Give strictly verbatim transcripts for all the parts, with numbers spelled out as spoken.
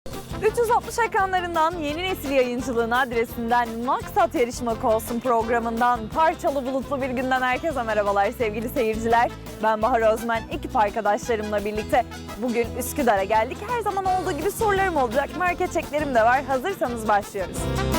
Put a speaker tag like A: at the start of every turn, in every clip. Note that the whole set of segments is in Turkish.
A: üç yüz altmış ekranlarından yeni nesil yayıncılığın adresinden Maksat Yarışmak Olsun programından parçalı bulutlu bir günden herkese merhabalar sevgili seyirciler. Ben Bahar Özmen, ekip arkadaşlarımla birlikte bugün Üsküdar'a geldik. Her zaman olduğu gibi sorularım olacak, market çeklerim de var. Hazırsanız başlıyoruz.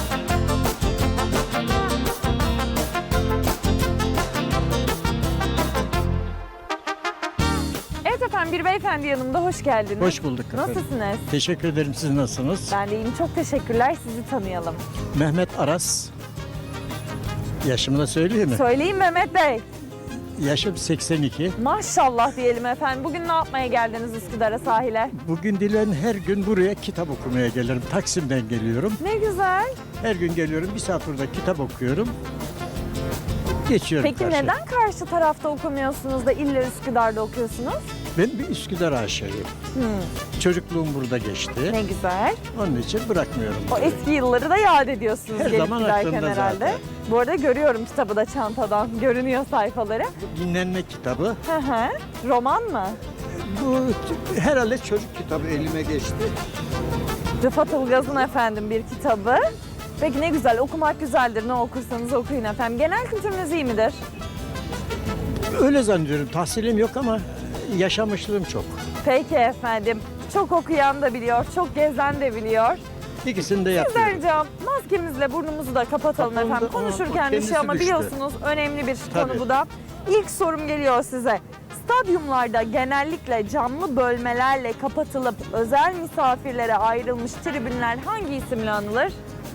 A: Evet efendim, bir beyefendi yanımda, hoş geldiniz.
B: Hoş bulduk efendim.
A: Nasılsınız?
B: Teşekkür ederim. Siz nasılsınız?
A: Ben de iyiyim, çok teşekkürler. Sizi tanıyalım.
B: Mehmet Aras. Yaşımı da söyleyeyim mi?
A: Söyleyin Mehmet Bey.
B: Yaşım seksen iki.
A: Maşallah diyelim efendim. Bugün ne yapmaya geldiniz Üsküdar'a, sahile?
B: Bugün dilen her gün buraya kitap okumaya gelirim. Taksim'den geliyorum.
A: Ne güzel.
B: Her gün geliyorum. Bir saat burada kitap okuyorum. Geçiyorum
A: Peki
B: karşıya.
A: neden karşı tarafta okumuyorsunuz da illa Üsküdar'da okuyorsunuz?
B: Ben bir Üsküdar aşığıyım.
A: Hmm,
B: Çocukluğum burada geçti.
A: ne güzel.
B: Onun için bırakmıyorum.
A: O
B: burayı.
A: eski yılları da yad ediyorsunuz
B: Her
A: gelip
B: zaman
A: giderken
B: aklımda
A: herhalde.
B: zaten.
A: Bu arada görüyorum kitabı da çantadan. Görünüyor sayfaları.
B: Bu dinlenme kitabı.
A: Hı hı. Roman mı?
B: Bu herhalde çocuk kitabı elime geçti.
A: Rıfat Ilgaz'ın efendim bir kitabı. Peki ne güzel, okumak güzeldir. Ne okursanız okuyun efendim. Genel kültürünüz iyi midir?
B: Öyle zannediyorum. Tahsilim yok ama yaşamışlığım çok.
A: Peki efendim. Çok okuyan da biliyor, çok gezen de biliyor.
B: İkisini de
A: Sizden
B: yapıyorum.
A: ricam maskemizi burnumuzu da kapatalım
B: Kapalı da-
A: efendim.
B: Aa,
A: Konuşurken
B: o
A: bir şey
B: kendisi
A: ama
B: düştü.
A: biliyorsunuz önemli bir
B: Tabii.
A: konu bu da. İlk sorum geliyor size. Stadyumlarda genellikle camlı bölmelerle kapatılıp özel misafirlere ayrılmış tribünler hangi isimle anılır?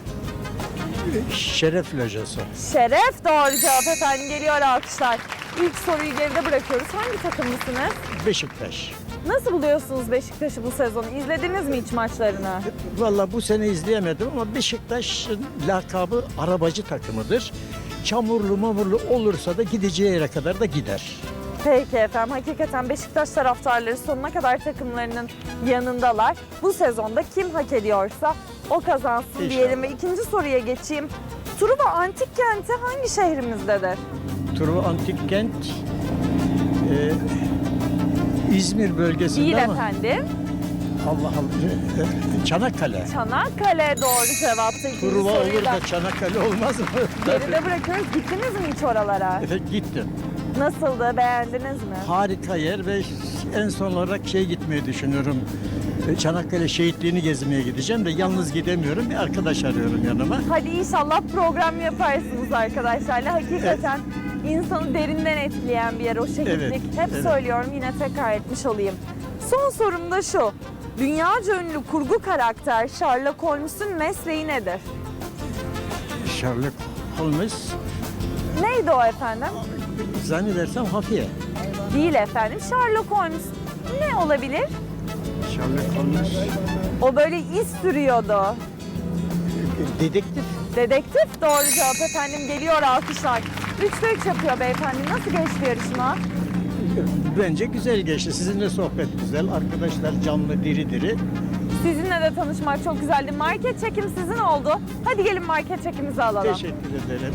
B: Şeref lojası.
A: Şeref doğru cevap efendim, geliyor alkışlar. İlk soruyu geride bırakıyoruz. Hangi takımlısınız?
B: Beşiktaş.
A: Nasıl buluyorsunuz Beşiktaş'ı bu sezonu? İzlediniz mi hiç maçlarını?
B: Vallahi bu sene izleyemedim ama Beşiktaş'ın lakabı arabacı takımıdır. Çamurlu mamurlu olursa da gideceği yere kadar da gider.
A: Peki efendim, hakikaten Beşiktaş taraftarları sonuna kadar takımlarının yanındalar. Bu sezonda kim hak ediyorsa o kazansın
B: İnşallah.
A: diyelim ve ikinci soruya geçeyim. Truva Antik Kenti hangi şehrimizdedir?
B: Truva Antik Kent e, İzmir bölgesinde
A: Değil
B: ama
A: efendim.
B: Allah Allah e, Çanakkale.
A: Çanakkale doğru cevaptı. İkinci
B: Truva
A: soruyu
B: olur
A: da
B: da Çanakkale olmaz mı?
A: geride bırakıyoruz. Gittiniz mi hiç oralara?
B: Efendim gittim.
A: Nasıldı? Beğendiniz mi?
B: Harika yer ve en son olarak şey gitmeyi düşünüyorum. E, Çanakkale şehitliğini gezmeye gideceğim de yalnız gidemiyorum. Bir arkadaş arıyorum yanıma.
A: Hadi inşallah program yaparsınız arkadaşlarla. Hakikaten insanı derinden etkileyen bir yer o şehitlik.
B: Evet,
A: Hep
B: evet.
A: söylüyorum, yine tekrar etmiş olayım. Son sorum da şu. Dünyaca ünlü kurgu karakter Sherlock Holmes'un mesleği nedir?
B: Sherlock Holmes
A: Neydi o efendim?
B: zannedersem hafiye.
A: Değil efendim. Sherlock Holmes ne olabilir?
B: Sherlock Holmes
A: O böyle iz sürüyordu.
B: dedektif.
A: Dedektif doğru cevap efendim, geliyor alkışlar. Üçte üç yapıyor beyefendi. Nasıl geçti yarışma?
B: Bence güzel geçti. Sizinle sohbet güzel. Arkadaşlar canlı diri diri.
A: Sizinle de tanışmak çok güzeldi. Market çekim sizin oldu. Hadi gelin market çekimizi alalım.
B: Teşekkür ederim.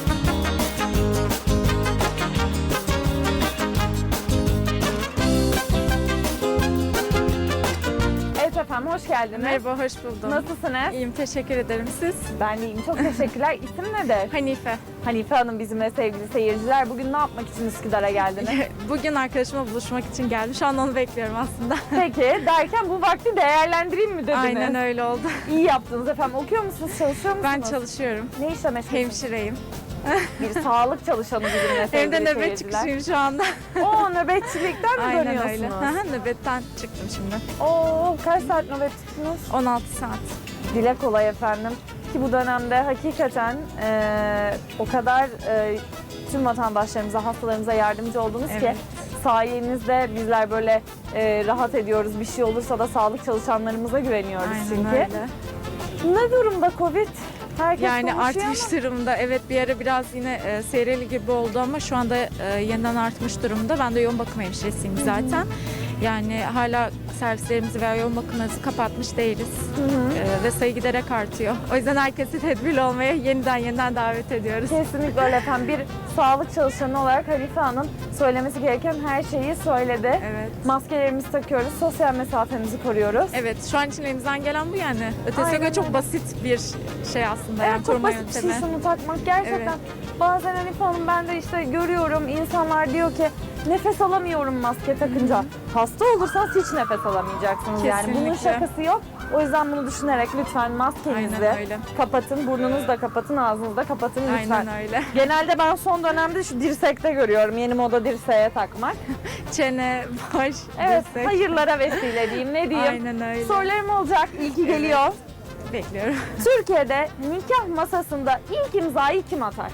A: Evet efendim, hoş geldiniz.
C: Merhaba, hoş buldum.
A: Nasılsınız?
C: İyiyim, teşekkür ederim. Siz?
A: Ben de iyiyim. Çok teşekkürler. İsim nedir?
C: Hanife.
A: Hanife Hanım bizimle sevgili seyirciler. Bugün ne yapmak için Üsküdar'a geldiniz?
C: Bugün arkadaşımla buluşmak için geldim. Şu an onu bekliyorum aslında.
A: Peki derken bu vakti değerlendireyim mi dediniz?
C: Aynen öyle oldu.
A: İyi yaptınız efendim. Okuyor musunuz, çalışıyor musunuz?
C: Ben çalışıyorum.
A: Ne işle meşgulsünüz?
C: Hemşireyim.
A: Bir sağlık çalışanı bizimle sevgili
C: Hem de nöbet
A: seyirciler.
C: çıkışıyım şu anda.
A: Oo, nöbetçilikten mi
C: Aynen
A: dönüyorsunuz?
C: öyle. Aha, nöbetten çıktım şimdi.
A: Oo, kaç saat nöbet tuttunuz?
C: on altı saat.
A: Dile kolay efendim. Ki bu dönemde hakikaten e, o kadar e, tüm vatandaşlarımıza, hastalarımıza yardımcı oldunuz ki
C: Evet.
A: sayenizde bizler böyle e, rahat ediyoruz. Bir şey olursa da sağlık çalışanlarımıza güveniyoruz
C: Aynen
A: çünkü.
C: öyle.
A: Ne durumda Covid? Herkes
C: Yani
A: konuşuyor
C: artmış
A: ama
C: durumda. Evet, bir ara biraz yine e, seyreli gibi oldu ama şu anda e, yeniden artmış durumda. Ben de yoğun bakım hemşiresiyim zaten. Yani hala servislerimizi veya yoğun bakımlarımızı kapatmış değiliz.
A: Hı hı.
C: Ee, ve sayı giderek artıyor. O yüzden herkesi tedbirli olmaya yeniden yeniden davet ediyoruz.
A: Kesinlikle öyle efendim. Bir sağlık çalışanı olarak Hanife Hanım söylemesi gereken her şeyi söyledi.
C: Evet.
A: Maskelerimizi takıyoruz, sosyal mesafemizi koruyoruz.
C: Evet, şu an için elimizden gelen bu yani. Ötesine
A: Aynen
C: göre çok
A: öyle.
C: basit bir şey aslında.
A: Evet,
C: yani
A: çok
C: koruma
A: basit bir
C: yöntemi.
A: şey şunu takmak. Gerçekten bazen Hanife Hanım ben de işte görüyorum insanlar diyor ki nefes alamıyorum maske takınca. Hasta olursanız hiç nefes alamayacaksınız yani. Bunun
C: Kesinlikle.
A: şakası yok. O yüzden bunu düşünerek lütfen maskenizi
C: Aynen öyle.
A: kapatın, burnunuzu da kapatın, ağzınızı da kapatın lütfen.
C: Aynen öyle.
A: Genelde ben son dönemde şu dirsekte görüyorum yeni moda dirseğe takmak.
C: Çene, baş,
A: Evet,
C: dirsek.
A: hayırlara vesile diyeyim, ne diyeyim.
C: Aynen öyle.
A: Sorularım olacak, ilki geliyor.
C: Bekliyorum.
A: Türkiye'de nikah masasında ilk imzayı kim atar?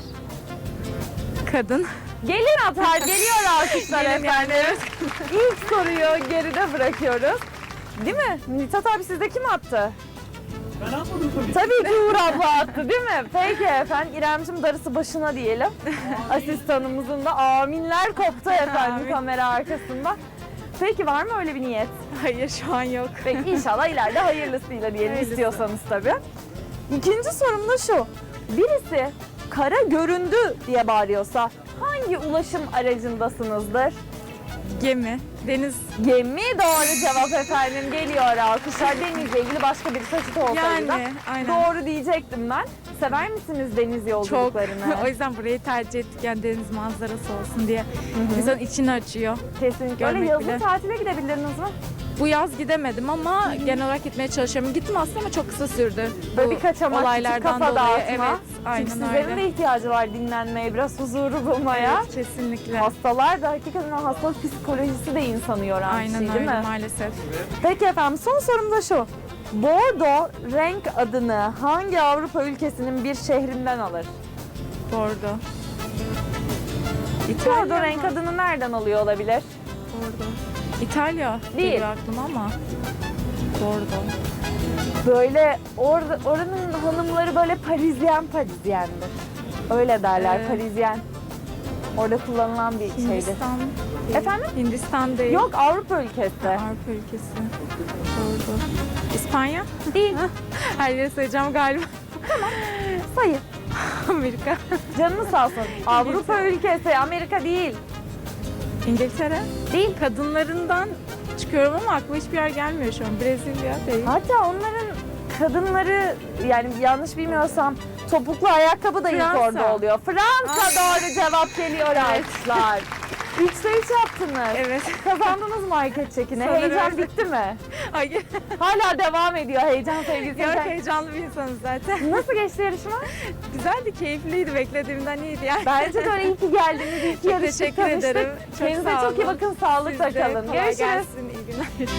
C: Kadın.
A: Gelin atar, geliyor alkışlar
C: Gelin
A: efendim. İlk soruyu geride bırakıyoruz. Değil mi? Mithat abi sizde kim attı?
B: Ben anladım tabii.
A: Tabii ki Uğur abla attı değil mi? Peki efendim, İremciğim darısı başına diyelim. Asistanımızın da aminler koptu efendim
C: Amin.
A: kamera arkasında. Peki var mı öyle bir niyet?
C: Hayır, şu an yok.
A: Peki inşallah ileride hayırlısıyla diyelim
C: Hayırlısı.
A: istiyorsanız tabii. İkinci sorum da şu. Birisi kara göründü diye bağırıyorsa hangi ulaşım aracındasınızdır?
C: Gemi, deniz.
A: Gemi doğru cevap efendim. Geliyor alkışlar. Denizle ilgili başka bir taşıt olsaydı da
C: Yani, aynen.
A: doğru diyecektim ben. Sever misiniz deniz
C: Çok.
A: yolculuklarını?
C: O yüzden burayı tercih ettik. Yani deniz manzarası olsun diye. İnsanın içini açıyor.
A: Kesinlikle. Öyle
C: Görmek
A: yazın
C: bile.
A: tatile gidebildiniz mi?
C: Bu yaz gidemedim ama genel olarak gitmeye çalışıyorum. Gittim aslında ama çok kısa sürdü.
A: Böyle
C: Bu
A: bir kaçamak, küçük
C: olaylardan
A: kafa
C: dolayı.
A: dağıtma.
C: Evet, aynen
A: Çünkü sizlerin
C: öyle.
A: de ihtiyacı var dinlenmeye, biraz huzuru bulmaya.
C: Evet, kesinlikle.
A: Hastalar da hakikaten o hastalık psikolojisi de insanı yoran bir
C: Aynen
A: şey değil
C: öyle
A: mi?
C: maalesef.
A: Peki efendim son sorum da şu. Bordo renk adını hangi Avrupa ülkesinin bir şehrinden alır?
C: Bordo. İtalya
A: Bordo
C: mı?
A: renk adını nereden alıyor olabilir?
C: Bordo. İtalya
A: Değil.
C: geliyor aklıma ama. Bordo.
A: Böyle orada oranın hanımları böyle Parisyen Parisyendir. Öyle derler
C: Ee,
A: Parisyen. Orada kullanılan bir şeydir.
C: Hindistan değil.
A: Efendim?
C: Hindistan değil.
A: Yok Avrupa ülkesi.
C: Avrupa ülkesi. Bordo. İspanya?
A: Değil.
C: Her yeri sayacağım galiba.
A: Sayın.
C: Amerika.
A: Canını sağ olsun. Avrupa ülkesi, Amerika değil.
C: İngiltere.
A: Değil.
C: Kadınlarından çıkıyorum ama aklıma hiçbir yer gelmiyor şu an. Brezilya değil.
A: Hatta onların kadınları yani yanlış bilmiyorsam topuklu ayakkabı da ilk
C: Fransa.
A: orada oluyor. Fransa doğru cevap geliyor arkadaşlar. Üçte üç yaptınız.
C: Evet.
A: Kazandınız market çekini.
C: Sanırım
A: Heyecan
C: öyle.
A: bitti mi?
C: Hayır.
A: Hala devam ediyor heyecan sevgili
C: Yok,
A: seyirciler.
C: heyecanlı bir insanız zaten.
A: Nasıl geçti yarışma?
C: Güzeldi, keyifliydi. Beklediğimden iyiydi yani.
A: Bence de öyle iyi ki geldiniz. İyi ki
C: Çok
A: yarıştık,
C: teşekkür
A: tanıştık.
C: ederim. Çok
A: Kendinize
C: sağ
A: çok iyi
C: olun.
A: bakın. Sağlıkla
C: Siz de
A: kalın.
C: kolay
A: Görüşürüz.
C: gelsin. İyi günler.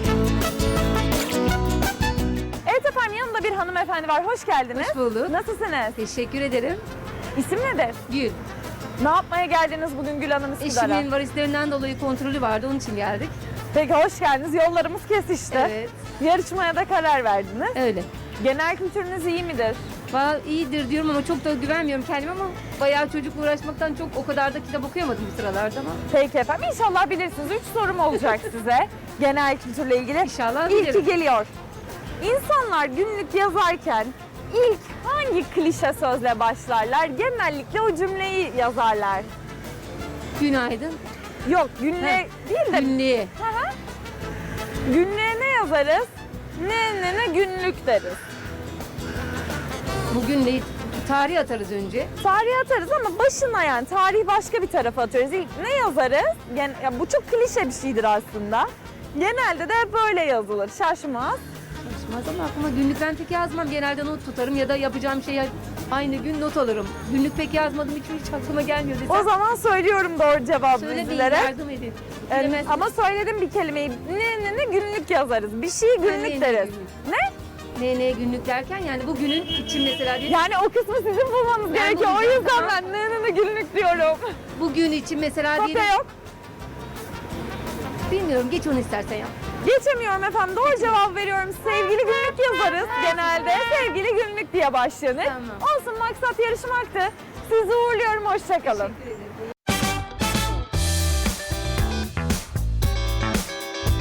A: Evet efendim yanımda bir hanımefendi var. Hoş geldiniz.
D: Hoş bulduk.
A: Nasılsınız?
D: Teşekkür ederim.
A: İsim nedir?
D: Gül.
A: Ne yapmaya geldiniz bugün Gül Hanım Üsküdar'a?
D: Eşimin varislerinden dolayı kontrolü vardı, onun için geldik.
A: Peki hoş geldiniz. Yollarımız kesişti.
D: Evet,
A: Yarışmaya da karar verdiniz.
D: öyle.
A: Genel kültürünüz iyi midir?
D: Valla iyidir diyorum ama çok da güvenmiyorum kendime ama bayağı çocukla uğraşmaktan çok o kadar da kitap okuyamadım bu sıralarda ama
A: Peki efendim inşallah bilirsiniz. Üç sorum olacak size genel kültürle ilgili.
D: inşallah
A: İlki
D: bilirim.
A: geliyor. İnsanlar günlük yazarken ilk hangi klişe sözle başlarlar? Genellikle o cümleyi yazarlar.
D: Günaydın.
A: Yok günlüğe
D: He.
A: değil de
D: Günlüğe.
A: günlüğe ne yazarız? Ne ne ne günlük deriz.
D: Bugün de tarih atarız önce.
A: Tarihe atarız ama başına yani tarih başka bir tarafa atıyoruz. İlk ne yazarız? Yani, ya bu çok klişe bir şeydir aslında. Genelde de böyle yazılır. Şaşmaz.
D: Konuşmaz ama aklıma günlük ben pek yazmam. Genelde not tutarım ya da yapacağım şeye aynı gün not alırım. Günlük pek yazmadım, hiç, hiç aklıma gelmiyor desem.
A: O zaman söylüyorum doğru cevabı
D: Söyle bir
A: bizlere.
D: yardım edin.
A: Ee,
D: Bilemezsin.
A: ama söyledim bir kelimeyi. Ne ne ne günlük yazarız. Bir şeyi
D: Ne, ne,
A: günlük
D: ne
A: deriz.
D: günlük?
A: Ne?
D: Ne ne günlük derken yani bugünün için mesela diyelim.
A: Yani o kısmı sizin bulmanız
D: Ben
A: gerekiyor. O
D: bulacağım,
A: yüzden
D: tamam.
A: ben ne ne ne günlük diyorum.
D: Bugün için mesela
A: Kopya
D: diyelim.
A: yok.
D: Bilmiyorum, geç onu istersen ya.
A: Geçemiyorum efendim. Doğru cevap veriyorum. Sevgili günlük yazarız. Genelde sevgili günlük diye başlanır.
D: Tamam.
A: Olsun maksat yarışmaktı. Sizi uğurluyorum. Hoşçakalın.
D: Teşekkür ederim.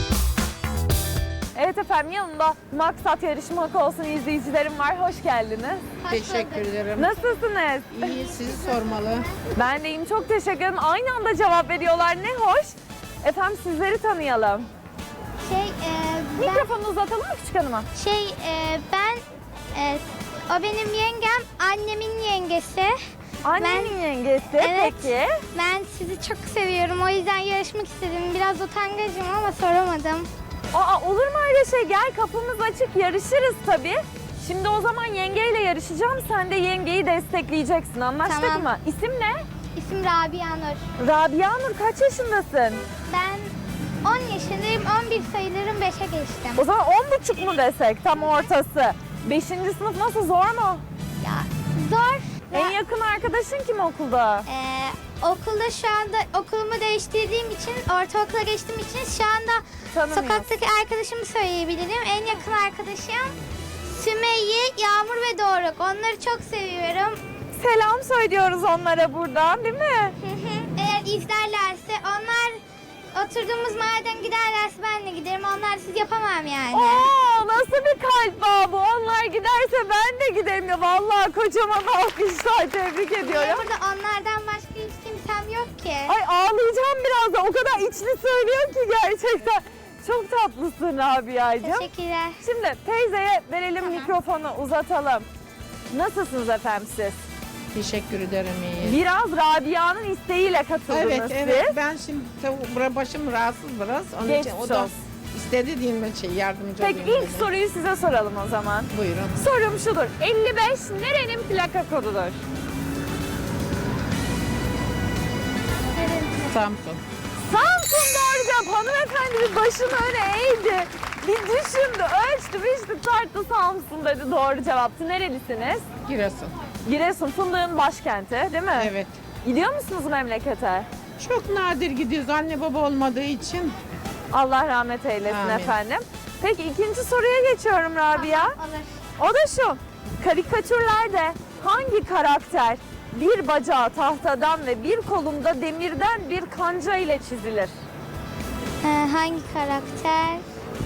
A: efendim, yanımda Maksat Yarışmak Olsun izleyicilerim var. Hoş geldiniz.
E: Teşekkür ederim.
A: Nasılsınız?
E: İyi, sizi sormalı.
A: Ben de iyiyim, çok teşekkür ederim. Aynı anda cevap veriyorlar, ne hoş. Efendim sizleri tanıyalım.
F: Şey, e, ben,
A: Mikrofonu uzatalım mı küçük hanıma?
F: şey e, ben e, o benim yengem, annemin yengesi.
A: Annenin yengesi,
F: Evet.
A: peki.
F: Ben sizi çok seviyorum. O yüzden yarışmak istedim. Biraz utangacım ama soramadım.
A: Aa, olur mu öyle şey? Gel, kapımız açık, yarışırız tabii. Şimdi o zaman yengeyle yarışacağım. Sen de yengeyi destekleyeceksin. Anlaştık
F: Tamam.
A: mı? İsim ne?
F: İsim Rabia Nur.
A: Rabia Nur, kaç yaşındasın?
F: Ben on yaşındayım. on bir sayılırım. beşe geçtim.
A: O zaman on buçuk mu desek, tam ortası? Beşinci sınıf nasıl, zor mu?
F: Ya zor.
A: En
F: Ya,
A: yakın arkadaşın kim okulda?
F: e, okulda şu anda okulumu değiştirdiğim için, ortaokula geçtiğim için şu anda
A: Tanımıyorum.
F: sokaktaki arkadaşımı söyleyebilirim. En yakın arkadaşım Sümeyye, Yağmur ve Doruk. Onları çok seviyorum.
A: Selam söylüyoruz onlara buradan, değil mi?
F: Hı hı. Eğer izlerlerse, onlar oturduğumuz mahalleden giderlerse ben de giderim. Onlar siz yapamam yani.
A: Oo, nasıl bir kalp bağı bu? Onlar giderse ben de giderim ya. Vallahi kocaman alkışlar, tebrik
F: Niye
A: ediyorum.
F: burada onlardan başka hiç kimsem yok ki?
A: Ay ağlayacağım birazdan. O kadar içli söylüyor ki gerçekten. Çok tatlısın Rabia'cığım.
F: Teşekkürler.
A: Şimdi teyzeye verelim,
F: Tamam.
A: mikrofonu uzatalım. Nasılsınız efendim siz?
E: Teşekkür ederim, iyi.
A: Biraz Rabia'nın isteğiyle katıldınız
E: Evet,
A: siz.
E: evet. Ben şimdi tabii bura- başım rahatsız biraz. Onun
A: Geçmiş
E: için o da
A: olsun.
E: istedi diyeyim ben şey yardımcı
A: Peki
E: olayım
A: ilk
E: dedi.
A: soruyu size soralım o zaman.
E: Buyurun.
A: Sorum şudur. elli beş nerenin plaka kodudur?
E: Samsun.
A: Samsun doğru cevap. Hanımefendi bir başını öne eğdi. Bir düşündü, ölçtü, biçti, tarttı, Samsun dedi, doğru cevaptı. Nerelisiniz?
E: Giresun.
A: Giresun, fındığın başkenti değil mi?
E: Evet.
A: Gidiyor musunuz memlekete?
E: Çok nadir gidiyoruz anne baba olmadığı için.
A: Allah rahmet eylesin
E: Amin.
A: efendim. Peki ikinci soruya geçiyorum Rabia.
F: Olur.
A: O da şu. Karikatürlerde hangi karakter bir bacağı tahtadan ve bir kolunda demirden bir kanca ile çizilir?
F: Ee, hangi karakter?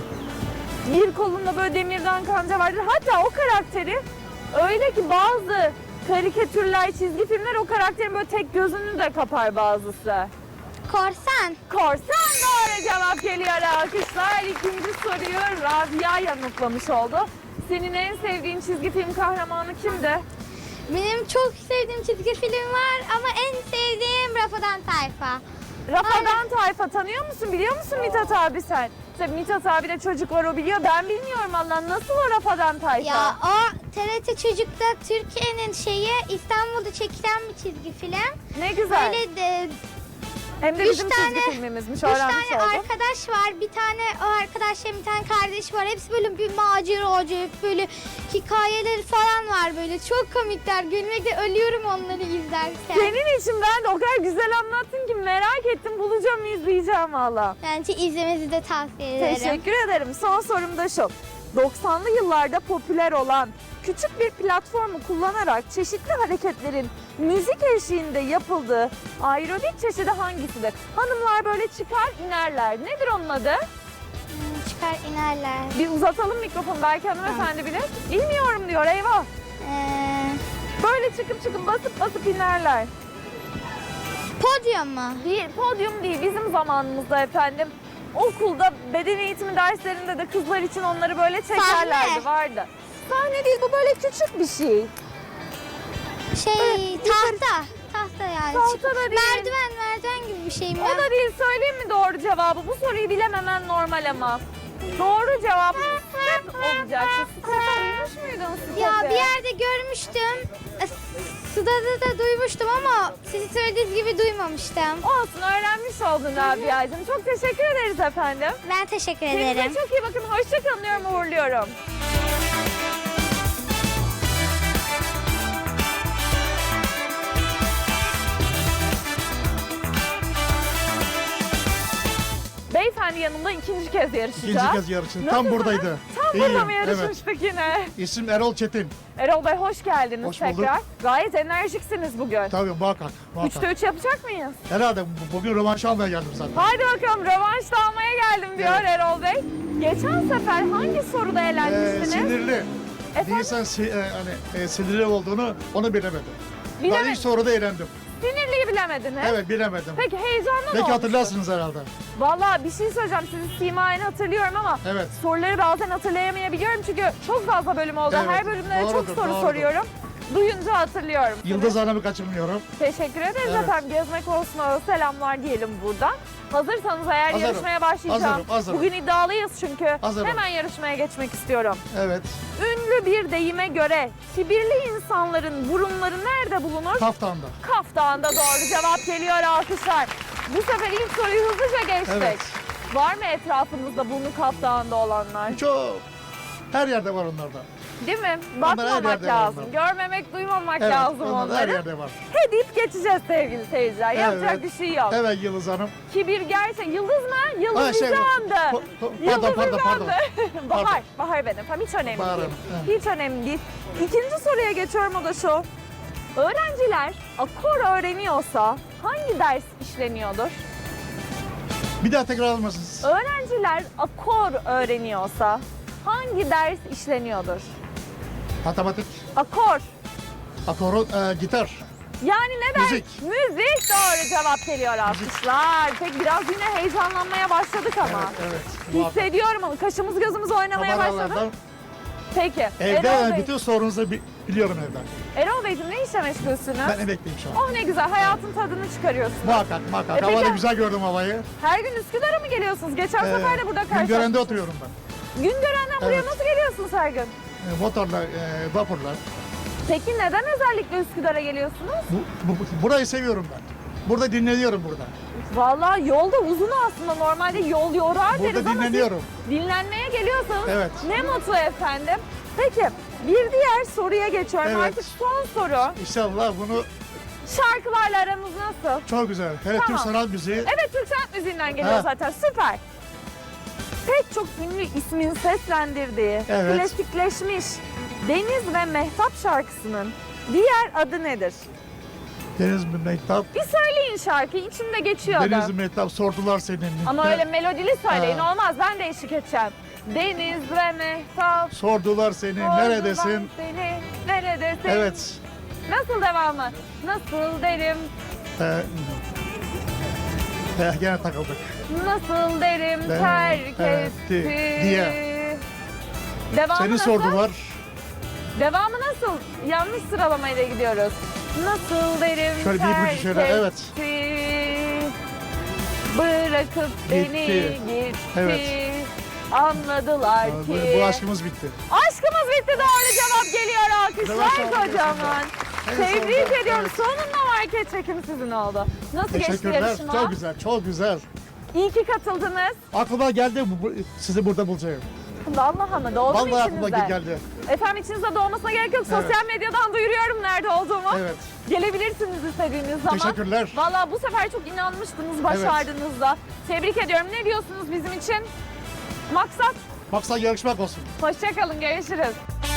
A: Bir kolunda böyle demirden kanca vardır. Hatta o karakteri öyle ki bazı karikatürler, çizgi filmler o karakterin böyle tek gözünü de kapar bazısı.
F: Korsan.
A: Korsan doğru cevap geliyor, alkışlar. İkinci soruyu Rabia yanıtlamış oldu. Senin en sevdiğin çizgi film kahramanı kimdi?
F: Benim çok sevdiğim çizgi film var ama en sevdiğim Rafadan Tayfa.
A: Rafadan Tayfa tanıyor musun? Biliyor musun Mithat abi sen? Tabii Mithat abi de çocuk var, o biliyor. Ben bilmiyorum Allah. Nasıl o Rafadan Tayfa?
F: Ya o T R T Çocuk'ta Türkiye'nin şeyi, İstanbul'da çekilen bir çizgi film.
A: Ne güzel.
F: Böyle de
A: Hem de
F: üç
A: bizim
F: tane-
A: çizgi filmimizmiş.
F: üç
A: Öğrenmiş
F: tane
A: oldum.
F: arkadaş var. Bir tane o arkadaşların bir tane kardeşi var. Hepsi böyle bir maceracı, hep böyle hikayeleri falan var böyle. Çok komikler. Gülmekte ölüyorum onları izlerken.
A: Senin için ben de o kadar güzel anlattın ki merak ettim. Bulacağım, izleyeceğim valla.
F: Bence izlemenizi de tavsiye ederim.
A: Teşekkür ederim. Son sorum da şu. doksanlı yıllarda popüler olan küçük bir platformu kullanarak çeşitli hareketlerin müzik eşliğinde yapıldığı aerobik çeşidi hangisidir? Hanımlar böyle çıkar inerler. Nedir onun adı?
F: Hmm, çıkar inerler.
A: Bir uzatalım mikrofonu, belki hanımefendi bilir. Bilmiyorum diyor, eyvah.
F: Ee,
A: Böyle çıkıp çıkıp basıp basıp inerler.
F: podyum mu?
A: Değil, podyum değil. Bizim zamanımızda efendim okulda beden eğitimi derslerinde de kızlar için onları böyle çekerlerdi,
F: Sahne.
A: vardı. Sahne değil, bu böyle küçük bir şey.
F: Şey,
A: Evet,
F: tahta. Tahta yani.
A: Tahta
F: Çık-
A: da değil.
F: Merdiven, merdiven gibi bir şey mi?
A: O da değil, söyleyeyim mi doğru cevabı? Bu soruyu bilememen normal ama. Doğru cevap step olacak. Step duymuş muydun step'i?
F: Ya bir yerde görmüştüm. E, Suda da, da duymuştum ama sizi söylediğiniz gibi duymamıştım.
A: Olsun, öğrenmiş oldun Rabia'cığım. Çok teşekkür ederiz efendim.
F: Ben teşekkür
A: Kendinize
F: ederim.
A: çok iyi bakın. Hoşçakalın diyorum, uğurluyorum. Beyefendi yanımda ikinci kez yarışacağız.
G: İkinci kez yarışın. Tam
A: Nasılsınız?
G: buradaydı.
A: Tam
G: İyiyim,
A: burada mı
G: evet.
A: yarışmıştık yine?
G: İsim Erol Çetin.
A: Erol Bey hoş geldiniz
G: Hoş bulduk.
A: tekrar. Gayet enerjiksiniz bugün.
G: Tabii muhakkak. muhakkak.
A: Üçte üç yapacak mıyız?
G: Herhalde bu- bugün rövanş almaya geldim zaten.
A: Haydi bakalım, rövanş da almaya geldim diyor
G: Evet.
A: Erol Bey. Geçen sefer hangi soruda
G: Ee,
A: eğlenmiştiniz?
G: sinirli.
A: Efendim?
G: Bir insan si- e, hani, e, sinirli olduğunu onu bilemedim. Ben
A: Bileme-
G: ilk soruda eğlendim.
A: Sinirliyi bilemediniz.
G: Evet bilemedim.
A: Peki heyecanlı mı
G: Belki
A: olmuştu?
G: hatırlarsınız herhalde.
A: Valla bir şey söyleyeceğim. Sizi simayen hatırlıyorum ama
G: Evet.
A: soruları bazen hatırlayamayabiliyorum çünkü çok fazla bölüm oldu.
G: Evet,
A: Her bölümde çok
G: doğrudur,
A: soru
G: doğrudur.
A: soruyorum. Duyunca hatırlıyorum.
G: Yıldız Hanım'ı kaçırmıyorum.
A: Teşekkür ederiz
G: Evet.
A: efendim. Gezmek olsun selamlar diyelim buradan. Hazırsanız eğer
G: Hazırım.
A: yarışmaya başlayacağım.
G: Hazırım, hazırım.
A: Bugün iddialıyız çünkü.
G: Hazırım.
A: Hemen yarışmaya geçmek istiyorum.
G: Evet.
A: Ünlü bir deyime göre kibirli insanların burunları nerede bulunur?
G: Kaftan'da.
A: Kaf Dağı'nda doğru cevap geliyor, alkışlar. Bu sefer ilk soruyu hızlıca geçtik.
G: Evet.
A: Var mı etrafınızda burnu Kaf Dağı'nda olanlar?
G: Çok. Her yerde var onlarda.
A: Değil mi?
G: Onlar her
A: Bakmamak
G: yerde var
A: lazım.
G: onlar.
A: Görmemek, duymamak
G: Evet.
A: lazım
G: onlar her
A: onları.
G: yerde var.
A: He deyip geçeceğiz sevgili seyirciler. Yapacak
G: Evet.
A: bir şey yok.
G: Evet Yıldız Hanım.
A: Kibir gerçek. Yıldız mı? Yıldız
G: Ha, şey,
A: Nizam'dı.
G: pa- pa-
A: Yıldız
G: pardon, pardon, pardon.
A: Nizam'dı. Bahar. Bahar benim. Tamam, hiç önemli
G: Bahar
A: değil.
G: Hanım, evet.
A: Hiç önemli değil. İkinci soruya geçiyorum, o da şu. Öğrenciler akor öğreniyorsa hangi ders işleniyordur?
G: Bir daha tekrar almasınız.
A: Öğrenciler akor öğreniyorsa hangi ders işleniyordur?
G: Matematik,
A: Akor.
G: akoru, e, gitar.
A: Yani ne ders?
G: Müzik.
A: Müzik doğru cevap geliyor, alkışlar. Peki biraz yine heyecanlanmaya başladık ama.
G: Evet, evet. muhakkak.
A: Hissediyorum onu. Kaşımız gözümüz oynamaya başladı.
G: Kameralardan.
A: Peki.
G: Evde
A: Erol
G: yani
A: Bey,
G: bütün sorunuzu bi- biliyorum evden.
A: Erol Beyciğim ne işle meşgulsünüz?
G: Ben emekliyim şu an.
A: Oh ne güzel, hayatın tadını çıkarıyorsunuz.
G: Muhakkak, muhakkak.
A: E, peki-
G: Havada güzel gördüm havayı.
A: Her gün Üsküdar'a mı geliyorsunuz? Geçen
G: Ee,
A: sefer de burada karşılaştık.
G: Güngören'de oturuyorum ben.
A: Güngören'den buraya
G: Evet.
A: nasıl geliyorsunuz her gün?
G: E, motorla, e, vapurla.
A: Peki neden özellikle Üsküdar'a geliyorsunuz?
G: Bu, bu- burayı seviyorum ben. Burada dinleniyorum burada.
A: Vallahi yolda uzun aslında. Normalde yol yorar deriz
G: Burada
A: ama siz
G: dinleniyorum.
A: dinlenmeye geliyorsanız
G: Evet.
A: ne mutlu efendim. Peki bir diğer soruya geçiyorum.
G: Evet.
A: Artık son soru.
G: İnşallah bunu
A: Şarkılarla aranız nasıl?
G: çok güzel. Hele
A: Tamam.
G: Türk sanat müziği.
A: Evet, Türk sanat müziğinden geliyor
G: Ha.
A: zaten. Süper. Pek çok ünlü ismin seslendirdiği,
G: Evet.
A: klasikleşmiş Deniz ve Mehtap şarkısının diğer adı nedir?
G: Deniz Mehtap.
A: Bir söyleyin şarkıyı, içinde geçiyor
G: Deniz
A: adam.
G: Mehtap sordular senin.
A: Ama öyle melodili söyleyin,
G: Ha.
A: olmaz. Ben de eşlik edeceğim. Deniz ve Mehtap.
G: Sordular seni.
A: sordular
G: Neredesin?
A: Seni, neredesin?
G: Evet.
A: Nasıl devamı? Nasıl derim,
G: Ee, eh, gene takıldık.
A: nasıl derim,
G: Ben-
A: terk
G: evet,
A: etti.
G: diye.
A: Devamı
G: Seni
A: nasıl?
G: sordular.
A: Devamı nasıl? Yanlış sıralamayla gidiyoruz. Nasıl derim,
G: Şöyle bir
A: terk
G: ipucu şöyle, evet.
A: etti. Bırakıp beni
G: Gitti.
A: gitti.
G: Evet.
A: Anladılar
G: Bu,
A: ki.
G: bu aşkımız bitti.
A: Aşkımız bitti, doğru cevap geliyor, alkışlar
G: Evet, alkışlar.
A: kocaman.
G: En
A: Tebrik
G: sonunda,
A: ediyorum.
G: evet.
A: Sonunda market çekim sizin oldu. Nasıl geçti
G: Teşekkürler.
A: yarışma?
G: Çok güzel, çok güzel.
A: İyi ki katıldınız.
G: Aklıma geldi bu, bu- sizi burada bulacağım.
A: Vallahi mı? Doğdu mu
G: Vallahi aklıma
A: içinizde?
G: geldi.
A: Efendim içinizde doğmasına gerek yok.
G: Evet.
A: Sosyal medyadan duyuruyorum nerede olduğumu.
G: Evet.
A: Gelebilirsiniz istediğiniz zaman.
G: Teşekkürler.
A: Vallahi bu sefer çok inanmıştınız, başardınız da. Tebrik ediyorum. Ne diyorsunuz bizim için? Maksat,
G: Maksat yarışmak olsun.
A: hoşçakalın, görüşürüz.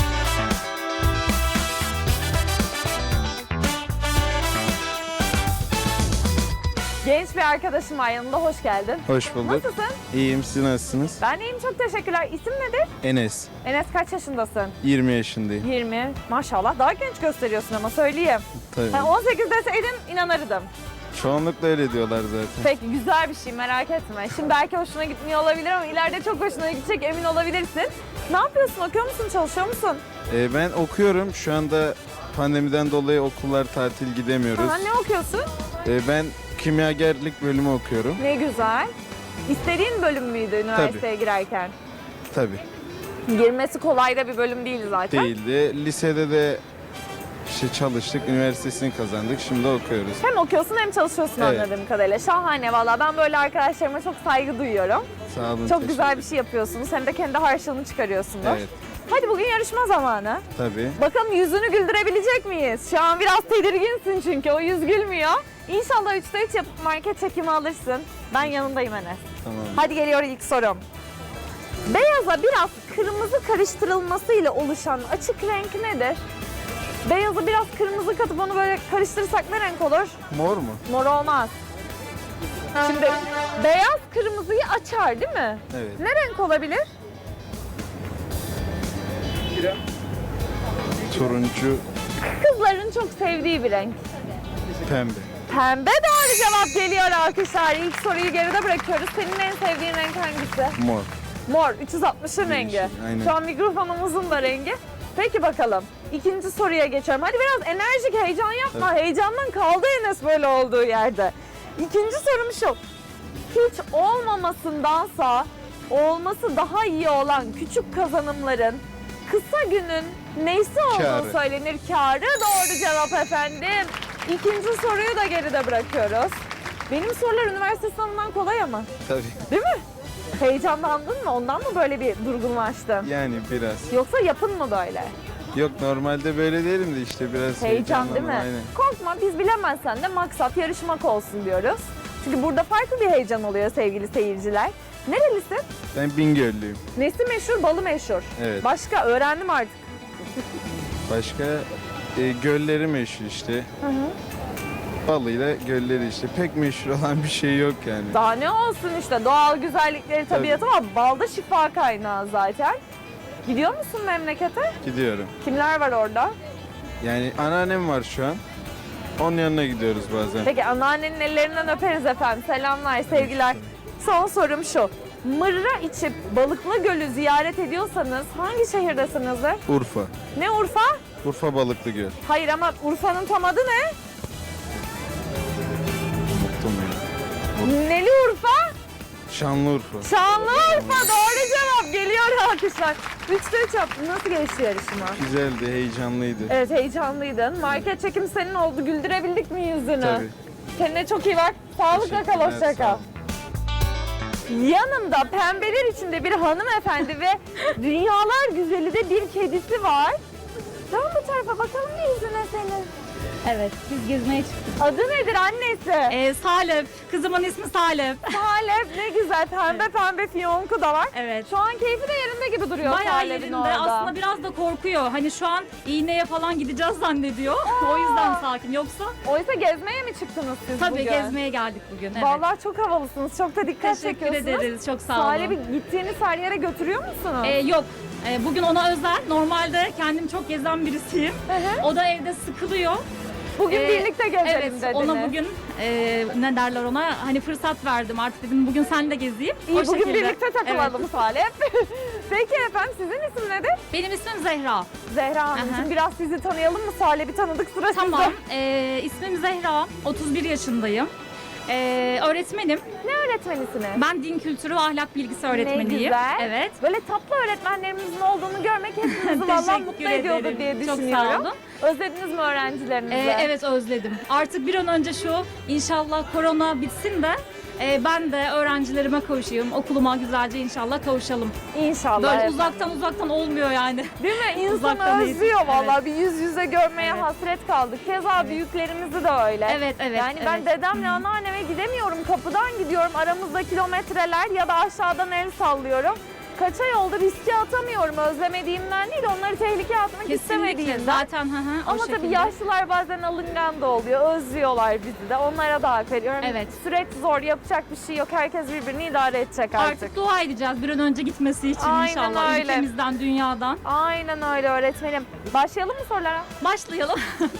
A: Genç bir arkadaşım var yanımda, hoş geldin.
H: Hoş bulduk.
A: Nasılsın?
H: İyiyim, siz nasılsınız?
A: Ben iyiyim, çok teşekkürler. İsim nedir?
H: Enes,
A: Enes, kaç yaşındasın?
H: yirmi yaşındayım.
A: yirmi. Maşallah daha genç gösteriyorsun ama söyleyeyim.
H: Tabii.
A: Ha, on sekiz deseydin inanırdım.
H: Çoğunlukla öyle diyorlar zaten.
A: Peki, güzel bir şey, merak etme. Şimdi belki hoşuna gitmiyor olabilir ama ileride çok hoşuna gidecek, emin olabilirsin. Ne yapıyorsun? Okuyor musun? Çalışıyor musun?
H: Ee, ben okuyorum. Şu anda pandemiden dolayı okullar tatil gidemiyoruz.
A: Ha, ne okuyorsun?
H: Ee, ben kimyagerlik bölümü okuyorum.
A: Ne güzel. İstediğin bölüm müydü üniversiteye girerken?
H: Tabii.
A: Girmesi kolay da bir bölüm değil zaten.
H: Değildi. Lisede de işte çalıştık, üniversitesini kazandık. Şimdi okuyoruz.
A: Hem okuyorsun hem çalışıyorsun
H: Evet.
A: anladığım kadarıyla. Şahane valla. Ben böyle arkadaşlarıma çok saygı duyuyorum.
H: Sağ olun.
A: Çok
H: teşekkür
A: güzel bir
H: ederim.
A: şey yapıyorsunuz. Hem de kendi harçlığını çıkarıyorsunuz.
H: Evet,
A: Hadi bugün yarışma zamanı.
H: tabii.
A: Bakalım yüzünü güldürebilecek miyiz? Şu an biraz tedirginsin çünkü o yüz gülmüyor. İnşallah üçte üç yapıp market çekimi alırsın. Ben yanındayım Enes.
H: Tamam.
A: Hadi geliyor ilk sorum. Beyaza biraz kırmızı karıştırılmasıyla oluşan açık renk nedir? Beyazı biraz kırmızı katıp onu böyle karıştırırsak ne renk olur?
H: Mor mu?
A: Mor olmaz. Şimdi beyaz kırmızıyı Açar değil mi?
H: Evet.
A: Ne renk olabilir?
H: Turuncu,
A: Kızların çok sevdiği bir renk.
H: pembe.
A: Pembe doğru cevap geliyor alkışlar. İlk soruyu geride bırakıyoruz. Senin en sevdiğin renk hangisi?
H: Mor.
A: Mor, üç yüz altmışın rengi.
H: Yeşil, aynen.
A: Şu an mikrofonumuzun da rengi. Peki bakalım. İkinci soruya geçiyorum. Hadi biraz enerjik, heyecan yapma. Heyecandan kaldı Enes böyle olduğu yerde. İkinci sorum şu. Hiç olmamasındansa olması daha iyi olan küçük kazanımların kısa günün neysi olduğu
H: Kârı.
A: söylenir. Kârı doğru cevap efendim. İkinci soruyu da geride bırakıyoruz. Benim sorular üniversite sınavından kolay ama.
H: Tabii.
A: Değil mi? Heyecanlandın mı? Ondan mı böyle bir durgunlaştın?
H: Yani biraz.
A: Yoksa yapın mı böyle?
H: Yok normalde böyle değilim de işte biraz
A: Heyecan değil mi?
H: heyecanlandım, aynen.
A: Korkma, biz bilemezsen de maksat yarışmak olsun diyoruz. Çünkü burada farklı bir heyecan oluyor sevgili seyirciler. Nerelisin?
H: Ben Bingöllüyüm.
A: Nesi meşhur, balı meşhur.
H: Evet.
A: Başka öğrendim artık.
H: Başka e, gölleri meşhur işte. Balıyla gölleri işte. Pek meşhur olan bir şey yok yani.
A: Daha ne olsun işte, doğal güzellikleri, tabiatı var. Balda şifa kaynağı zaten. Gidiyor musun memlekete?
H: Gidiyorum.
A: Kimler var orada?
H: Yani anneannem var şu an. Onun yanına gidiyoruz bazen.
A: Peki anneannenin ellerinden öperiz efendim. Selamlar, sevgiler. Son sorum şu. Mırra içip Balıklı Gölü ziyaret ediyorsanız hangi şehirdesinizdir?
H: Urfa.
A: Ne Urfa?
H: Urfa Balıklı Göl.
A: Hayır ama Urfa'nın tam adı ne?
H: Unuttum ya.
A: Neli Urfa?
H: Şanlıurfa.
A: Şanlıurfa doğru cevap. Geliyor alkışlar. Üçte üç yaptın. Nasıl geçti yarışma?
H: Güzeldi, heyecanlıydı.
A: Evet, heyecanlıydın. Market çekim senin oldu. Güldürebildik mi yüzünü?
H: Tabii.
A: Kendine çok iyi bak. Sağlıkla kal,
H: Teşekkürler,
A: hoşça
H: sağ
A: kal.
H: olun.
A: Yanımda pembeler içinde bir hanımefendi ve dünyalar güzeli de bir kedisi var. Dön bu tarafa bakalım bir yüzüne senin.
I: Evet, biz gezmeye çıktık.
A: Adı nedir annesi?
I: Ee, Salep, kızımın ismi Salep.
A: Salep, ne güzel, pembe pembe fiyonku da var.
I: Evet.
A: Şu an keyfi de yerinde gibi duruyor
I: Bayağı
A: Salep'in
I: yerinde.
A: orada.
I: Aslında biraz da korkuyor. Hani şu an iğneye falan gideceğiz zannediyor. O yüzden sakin. Yoksa
A: Oysa gezmeye mi çıktınız siz
I: tabii
A: bugün?
I: gezmeye geldik bugün. Evet.
A: Vallahi çok havalısınız, çok da dikkat
I: Teşekkür
A: çekiyorsunuz.
I: ederiz. Çok sağ olun.
A: Salep'i gittiğiniz her yere götürüyor musunuz?
I: Ee, yok. Ee, bugün ona özel. Normalde kendim çok gezen birisiyim.
A: Hı hı.
I: O da evde sıkılıyor.
A: Bugün
I: Ee,
A: birlikte gezelim
I: Evet,
A: dediniz.
I: ona bugün e, ne derler ona hani fırsat verdim. Artık dedim bugün seninle gezeyim.
A: İyi,
I: O
A: bugün
I: şekilde.
A: birlikte takılalım
I: Evet.
A: Salep. Peki efendim, sizin isim nedir?
I: Benim ismim Zehra.
A: Zehra Hanımcığım,
I: Aha.
A: biraz sizi tanıyalım mı? Salep'i tanıdık, sıra sizde.
I: Tamam. Ee, ismim Zehra. otuz bir yaşındayım. Ee, öğretmenim.
A: Ne öğretmenisiniz?
I: Ben din kültürü ve ahlak bilgisi öğretmeniyim.
A: Ne güzel.
I: Evet.
A: Böyle tatlı öğretmenlerimizin olduğunu görmek hepimizi vallahi
I: Teşekkür
A: mutlu ediyordur
I: ederim.
A: diye
I: Çok sağ
A: düşünüyorum.
I: olun.
A: Özlediniz mi öğrencilerinizi?
I: Ee, evet özledim. Artık bir an önce şu inşallah korona bitsin de e, ben de öğrencilerime kavuşayım. Okuluma güzelce inşallah kavuşalım.
A: İnşallah
I: Böyle
A: efendim.
I: uzaktan uzaktan olmuyor yani.
A: Değil mi? İnsan
I: uzaktan
A: özlüyor
I: eğitim.
A: vallahi. Bir yüz yüze görmeye
I: Evet.
A: hasret kaldık. Keza büyüklerimizi de öyle.
I: Evet evet.
A: Yani ben
I: evet.
A: dedemle anneanneme gidemiyorum. Kapıdan gidiyorum. Aramızda kilometreler ya da aşağıdan el sallıyorum. Kaça yolda riske atamıyorum. Özlemediğimden değil, onları tehlikeye atmak
I: Kesinlikle
A: istemediğimden.
I: zaten hı hı, o
A: Ama tabii
I: şekilde.
A: yaşlılar bazen alıngan da oluyor. Özlüyorlar bizi de. Onlara da hak veriyorum.
I: Evet.
A: Süreç zor. Yapacak bir şey yok. Herkes birbirini idare edecek artık.
I: Artık dua edeceğiz bir an önce gitmesi için
A: Aynen
I: inşallah
A: öyle.
I: ülkemizden, dünyadan.
A: Aynen öyle öğretmenim. Başlayalım mı sorulara?
I: Başlayalım.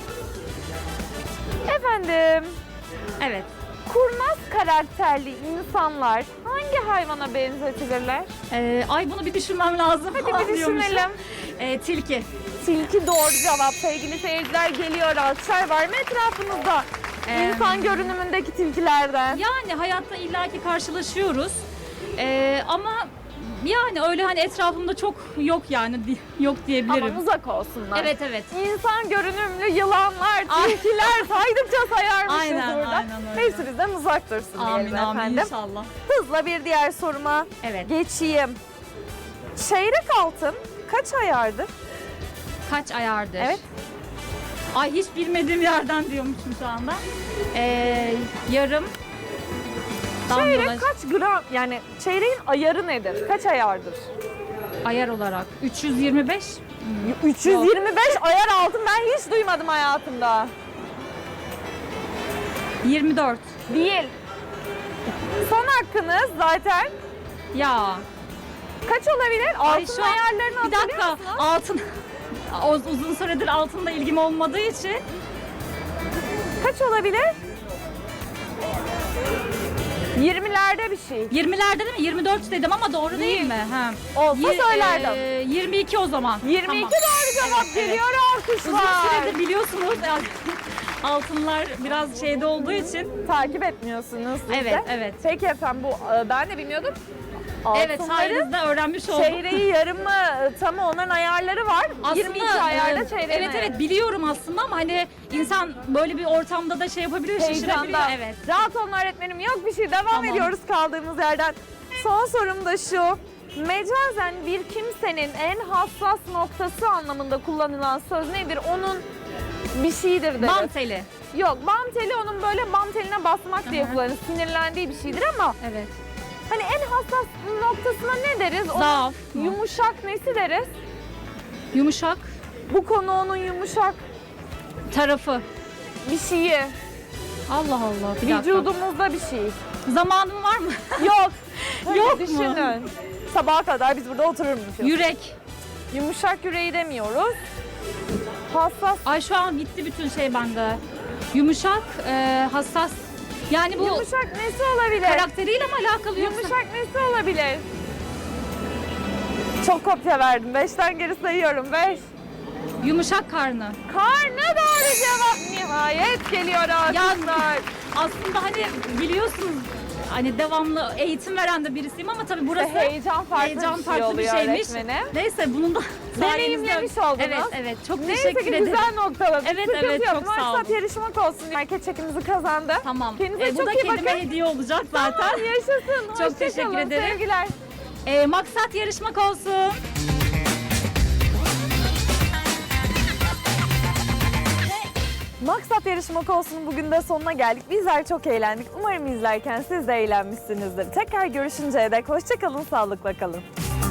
A: Efendim,
I: Evet.
A: kurnaz karakterli insanlar hangi hayvana benzetilirler?
I: Ee, ay bunu bir düşünmem lazım.
A: Hadi bir
I: Anlıyormuşum.
A: düşünelim.
I: Ee, tilki.
A: Tilki doğru cevap. Sevgili seyirciler, geliyor. Alkışlar var mı etrafınızda?
I: Ee,
A: İnsan görünümündeki tilkilerden.
I: Yani hayatta illaki karşılaşıyoruz. Ee, ama yani öyle hani etrafımda çok yok yani di- yok diyebilirim.
A: Aman uzak olsunlar.
I: Evet evet.
A: İnsan görünümlü yılanlar,
I: Ay.
A: tilkiler saydıkça sayarmışız
I: Aynen,
A: burada.
I: aynen öyle.
A: Neyse bizden uzak dursun
I: Amin
A: diyelim
I: amin
A: efendim.
I: inşallah.
A: Hızla bir diğer soruma
I: Evet.
A: geçeyim. Çeyrek altın kaç ayardır?
I: Kaç ayardır?
A: Evet.
I: Ay hiç bilmediğim yerden diyormuşum şu anda. Ee, yarım.
A: Çeyrek
I: damlalar-
A: kaç gram, yani çeyreğin ayarı nedir? Kaç ayardır?
I: ayar olarak üç yüz yirmi beş.
A: üç yüz yirmi beş ayar altın ben hiç duymadım hayatımda.
I: yirmi dört.
A: Değil. Son hakkınız zaten.
I: Ya.
A: Kaç olabilir?
I: Ay,
A: Altın
I: şu an-
A: ayarlarını
I: Bir
A: hatırlıyor
I: dakika.
A: musunuz?
I: Altın. O- Uzun süredir altınla ilgim olmadığı için.
A: Kaç olabilir? yirmilerde bir şey.
I: yirmilerde değil mi? yirmi dört dedim ama doğru değil,
A: Değil.
I: mi? Ha.
A: Olsa
I: Yi-
A: söylerdim.
I: e, yirmi iki o zaman.
A: yirmi iki
I: Tamam.
A: doğru cevap
I: Evet,
A: geliyor
I: Uzun
A: alkışlar.
I: süredir biliyorsunuz yani altınlar biraz şeyde olduğu için.
A: Takip etmiyorsunuz siz
I: Evet,
A: de.
I: evet.
A: Peki efendim bu e, ben de bilmiyordum.
I: Evet,
A: Altınların
I: sayenizde öğrenmiş oldum.
A: çeyreği yarımı tamı onların ayarları var. yirmi iki ayarda
I: e,
A: çeyreği.
I: Evet evet biliyorum aslında ama hani insan böyle bir ortamda da şey yapabilir, şaşırabiliyor.
A: Heyecandan.
I: Evet.
A: Rahat olun öğretmenim, yok bir şey, devam
I: Tamam.
A: ediyoruz kaldığımız yerden. Son sorum da şu. Mecazen bir kimsenin en hassas noktası anlamında kullanılan söz nedir? Onun bir şeyidir deriz.
I: Bam teli.
A: Yok, bam teli onun böyle bam teline basmak diye
I: Hı hı.
A: kullanırız. Sinirlendiği bir şeydir ama
I: Evet.
A: hani en hassas noktasına ne deriz? Onun
I: Zaaf mı?
A: yumuşak nesi deriz?
I: Yumuşak
A: Bu konu onun yumuşak
I: tarafı.
A: bir şeyi.
I: Allah Allah. Bir dakika.
A: Vücudumuzda bir şey.
I: Zamanım var mı?
A: Yok. Öyle
I: Yok mu?
A: düşünün. Sabaha kadar biz burada otururmuşuz.
I: Yürek.
A: Yumuşak yüreği demiyoruz. Hassas.
I: Ay şu an gitti bütün şey bende. Yumuşak, e, hassas. Yani bu
A: Yumuşak nesi olabilir?
I: karakteriyle mi alakalı yoksa?
A: Yumuşak nesi olabilir? Çok kopya verdim. Beşten geri sayıyorum. Beş.
I: Yumuşak karnı.
A: Karnı doğru cevap. Nihayet geliyor alkışlar.
I: Aslında hani biliyorsunuz hani devamlı eğitim veren de birisiyim ama tabii burası
A: Heyecan farklı
I: heyecan
A: bir şey
I: farklı bir
A: oluyor
I: şeymiş.
A: öğretmenim.
I: Neyse bunun da
A: Deneyimlemiş
I: sayenizde-
A: oldunuz.
I: Evet evet çok
A: Neyse
I: teşekkür
A: ki
I: ederim.
A: güzel noktaladık.
I: Evet,
A: Sıkıntı
I: evet,
A: yok.
I: çok sağ
A: Maksat
I: olun.
A: yarışmak olsun. Market çekimizi kazandı.
I: Tamam.
A: Kendinize
I: E, bu
A: çok
I: da
A: iyi
I: kendime
A: bakın.
I: hediye olacak zaten.
A: Tamam, yaşasın.
I: Çok
A: Hoşça
I: teşekkür
A: kalın.
I: ederim.
A: Sevgiler.
I: E, maksat yarışmak olsun.
A: Maksat yarışmak olsun, bugün de sonuna geldik. Bizler çok eğlendik. Umarım izlerken siz de eğlenmişsinizdir. Tekrar görüşünceye dek hoşça kalın, sağlıkla kalın.